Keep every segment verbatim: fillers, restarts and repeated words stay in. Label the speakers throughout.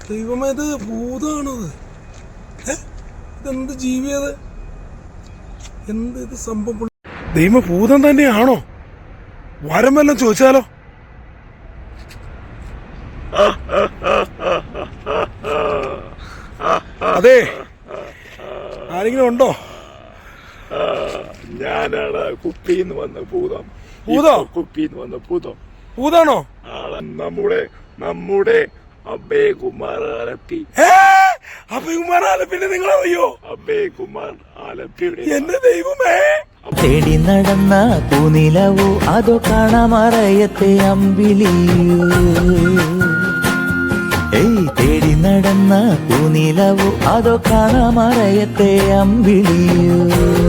Speaker 1: ദൈവമേ, ഇത് ഭൂതമാണത്. ഇതെന്ത് ജീവിയത്? എന്ത് ഇത് സംഭവം? ദൈവം ഭൂതം തന്നെയാണോ? വരം വല്ലതും ചോദിച്ചാലോ? അതെ, ആരെങ്കിലും ഉണ്ടോ?
Speaker 2: ഞാനാണ് കുപ്പിന്ന് വന്ന ഭൂതം.
Speaker 1: ഭൂതോ?
Speaker 2: കുപ്പിന്ന് വന്ന ഭൂതം.
Speaker 1: ഭൂതാണോ?
Speaker 2: നമ്മുടെ നമ്മുടെ അഭയകുമാർ ആലപ്പി.
Speaker 1: അഭയകുമാർ ആലപ്പിന്നെ നിങ്ങളറിയോ?
Speaker 2: അഭയകുമാർ ആലപ്പിയുടെ
Speaker 1: എന്റെ ദൈവമേ,
Speaker 3: തേടി നടന്ന പൂനിലവോ അതോ കാണാമറയത്തെ അമ്പിളിയോ? ഏയ് തേടി നടന്ന പൂനിലവോ അതോ കാണാമറയത്തെ അമ്പിളിയോ?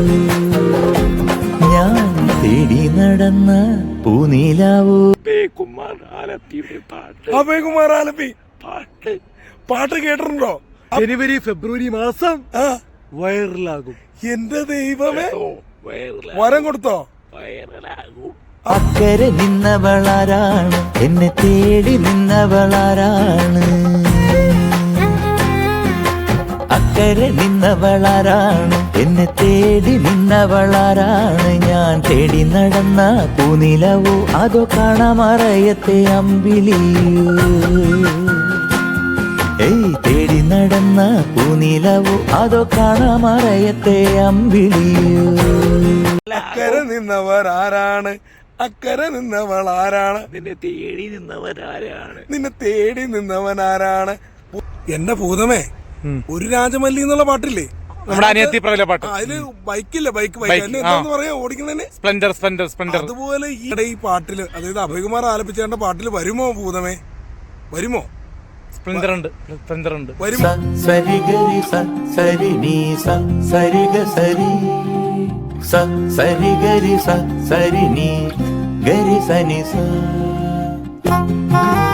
Speaker 3: ഞാൻ തേടി നടന്ന പൂനിലവോ.
Speaker 2: അഭയകുമാർ ആലപ്പിയുടെ പാട്ട്.
Speaker 1: അഭയകുമാർ ആലപ്പി
Speaker 2: പാട്ട്
Speaker 1: പാട്ട് കേട്ടിട്ടുണ്ടോ?
Speaker 4: ജനുവരി ഫെബ്രുവരി മാസം
Speaker 1: ആ,
Speaker 4: വൈറലാകും.
Speaker 1: എന്റെ ദൈവമേ,
Speaker 2: വൈറലാകും.
Speaker 1: വരം കൊടുത്തോ?
Speaker 2: വൈറലാകും.
Speaker 3: അക്കരെ നിന്നവളാരാണ്, എന്നെ തേടി നിന്നവളാരാണ്? അക്കരെ നിന്നവളാരാണ്, എന്നെ തേടി നിന്നവളാരാണ്? ഞാൻ തേടി നടന്ന പൂനിലവോ അതോ കാണാമറയത്തെ അമ്പിളിയോ? ഏയ് തേടി നടന്ന പൂനിലവോ അതോ കാണാമറയത്തെ അമ്പിളിയോ?
Speaker 1: അക്കരെ നിന്നവർ ആരാണ്? അക്കരെ നിന്നവൾ ആരാണ്?
Speaker 2: നിന്നെ തേടി നിന്നവരാരാണ്?
Speaker 1: നിന്നെ തേടി നിന്നവൻ ആരാണ്? എന്റെ ഭൂതമേ, ഒരു രാജമല്ലി എന്നുള്ള പാട്ടില്ലേ?
Speaker 4: നമ്മുടെ അനിയത്തി പ്രബല പാട്ട്.
Speaker 1: ആ, അതില് ബൈക്കില്ല, ബൈക്ക് ബൈക്ക്
Speaker 4: ബൈക്ക്,
Speaker 1: എന്നെ
Speaker 4: ആ.
Speaker 1: എന്താന്ന് പറയാ ഓടിക്കുന്നതിന്?
Speaker 4: Splendor Splendor Splendor.
Speaker 1: അതുപോലെ ഈയിടെ ഈ പാട്ടില്, അതായത് അഭയകുമാർ ആലപിച്ചേണ്ട പാട്ടില് വരുമോ ഭൂതമേ? വരുമോ?
Speaker 4: സ്പ്ലെൻഡർ ഉണ്ട്, സ്പ്ലെൻഡർ ഉണ്ട്.
Speaker 1: വരുമോ?
Speaker 3: സ സരി ഗരി സ സരി നീ സ സരി ഗ സരി സ സരി ഗരി സ സരി നീ ഗരി സനി സ.